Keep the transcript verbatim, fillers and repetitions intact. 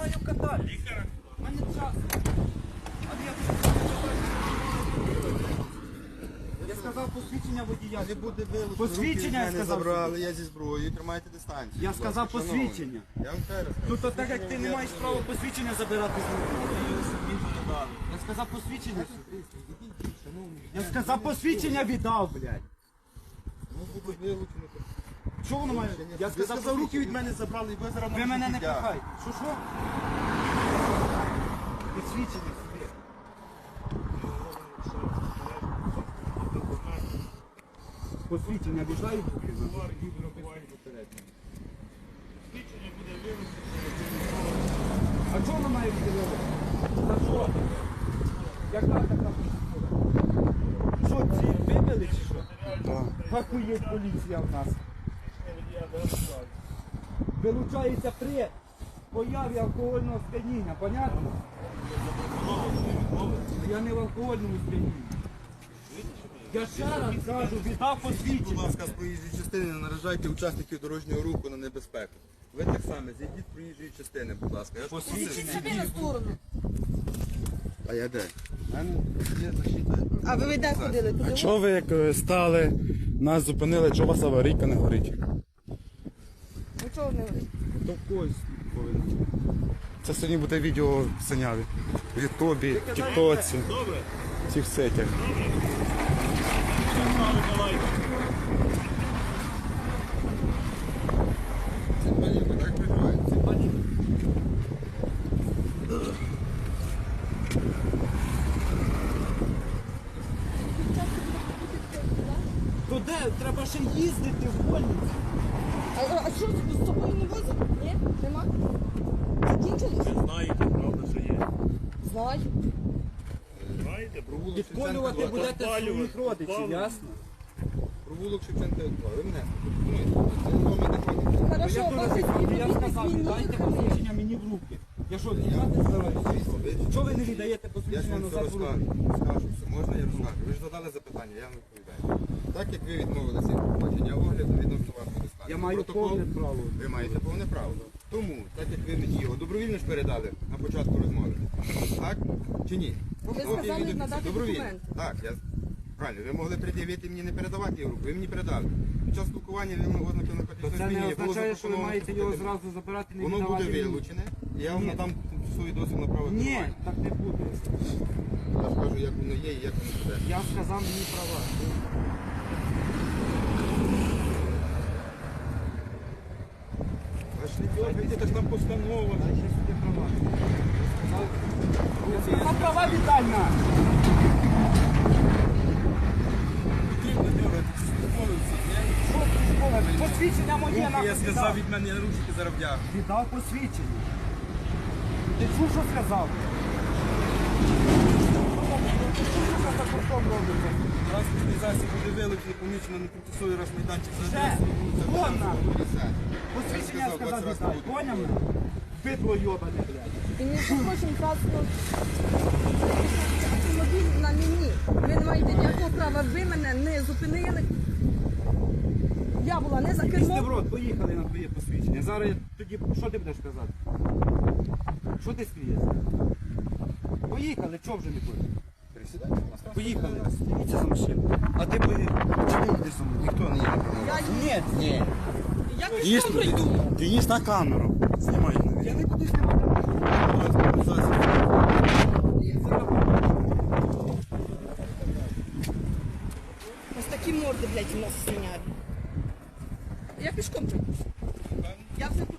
маю катати. У мене час. Я сказав посвідчення водія. Не буде вилучено. Посвідчення, я Руки від мене сказав. забрали, я зі зброєю, тримайте дистанцію. Я будь сказав ласка, шановний. посвідчення. Я вам ще раз кажу. Ну то так як ти не маєш права посвідчення забирати з рук. Я сказав посвідчення. Я сказав посвідчення віддав, блядь. Ну, буде вилучено. Що воно має? Я Ви сказав, сказав, руки від мене забрали, і ви зараз ви мене не можете пихайте. Що що? Посвідчення собі. Посвідчення віддай. А чого воно має бути вилучено? За що? Яка така процедура? Що, ці вибили чи що? Так. Хахуєть поліція в нас. Вилучається при появі алкогольного сп'яніння, понятно? Я не в алкогольному сп'янінні. Я ще раз кажу, віддав Будь посвідчення. ласка, з проїжджої частини не наражайте учасників дорожнього руху на небезпеку. Ви так само, зійдіть з проїжджої частини, будь ласка. Я ж Посвідчення. просив. Собі на сторону. А я де? У мене є защита. А ви де ходили? Туди? А чого ви як е, стали, нас зупинили, чого у вас аварійка не горить? Нічого не говорить. То когось повинен. Це сьогодні буде відео в Синяві. В Ютубі, в Тіктоці, в цих сетях. Це палівка, так прикривається? То де? Треба ще їздити в больницю. А, а що з тобою не возять? Ні? Нема? Закінчилось? Знаєте, правда, що є. Знаю. Знаєте, провулок Підколювати Шевченка будете два. своїх родичів, Підпалювати. ясно? Провулок Шевченка два. Ви мене пропонуєте. Це до мене ходить. Хорошо, Я ваші дуже я сказав, співробітник віддайте він посвідчення мені в руки. Я що, віддати збираюся? Чого ви не віддаєте Я ж посвідчення вам все назад в руки? розкажу. Скажу все. Можна я розкажу? Ви ж задали запитання, я вам відповідаю. Так як ви відмовилися від проходження огляду, відносно вас буде складено. Я маю Протокол. повне право. Ви маєте повне право. Тому, так як ви мені його добровільно ж передали на початку розмови. Так? Чи ні? Ви Копію сказали відео- надати добровільно. документи. Так, я правильно. Ви могли пред'явити мені не передавати його руку, ви мені передали. Під час спілкування ви могли ознаки То наркотичного це не сп'яніння було означає, що ви запропоновано маєте його вступити. зразу забирати, не Воно буде віддавати мені. вилучене, і я вам Ні. надам свої дозвіл на право Ні, керування. так не буде. Я скажу, як воно є і як воно буде. Я сказав мені права. Аж не дергайте, це ж там постанова. Дай ще сюди права. Я сказав права віддай на. Що ти школа? Посвідчення моє Я нахуй сказав, віддав. від мене ручки зараз вдягну. Віддав посвідчення. Ти чув, що сказав? Ти чув, що за куртом робиться? Транспортний засіб буде вилучений, помічено на тимчасовий раз майданчик. Ще, вон на. Посвідчення я сказав віддай. Поняв мене? Бидло йобане, блядь. І не захочемо транспорт. Автомобіль на мені. Ви не маєте ніякого права. Ви мене не зупинили. Я була не за Після в кермом. рот, поїхали на твоє посвідчення. Зараз я тоді, що ти будеш казати? Що ти смієшся? Поїхали, чого вже не хочеш? Присідайте, будь ласка. Поїхали. Дивіться за машину. А ти поїхав. Чи ти йдеш за мною? Ніхто не є правом. Я Ні, ні. Я пішком пройду. Денис на камеру. Знімай. Я не буду знімати. Транспортний засіб. Ось такі морди, блядь, у нас свиняві. Я пішком пройду. Я вже тут.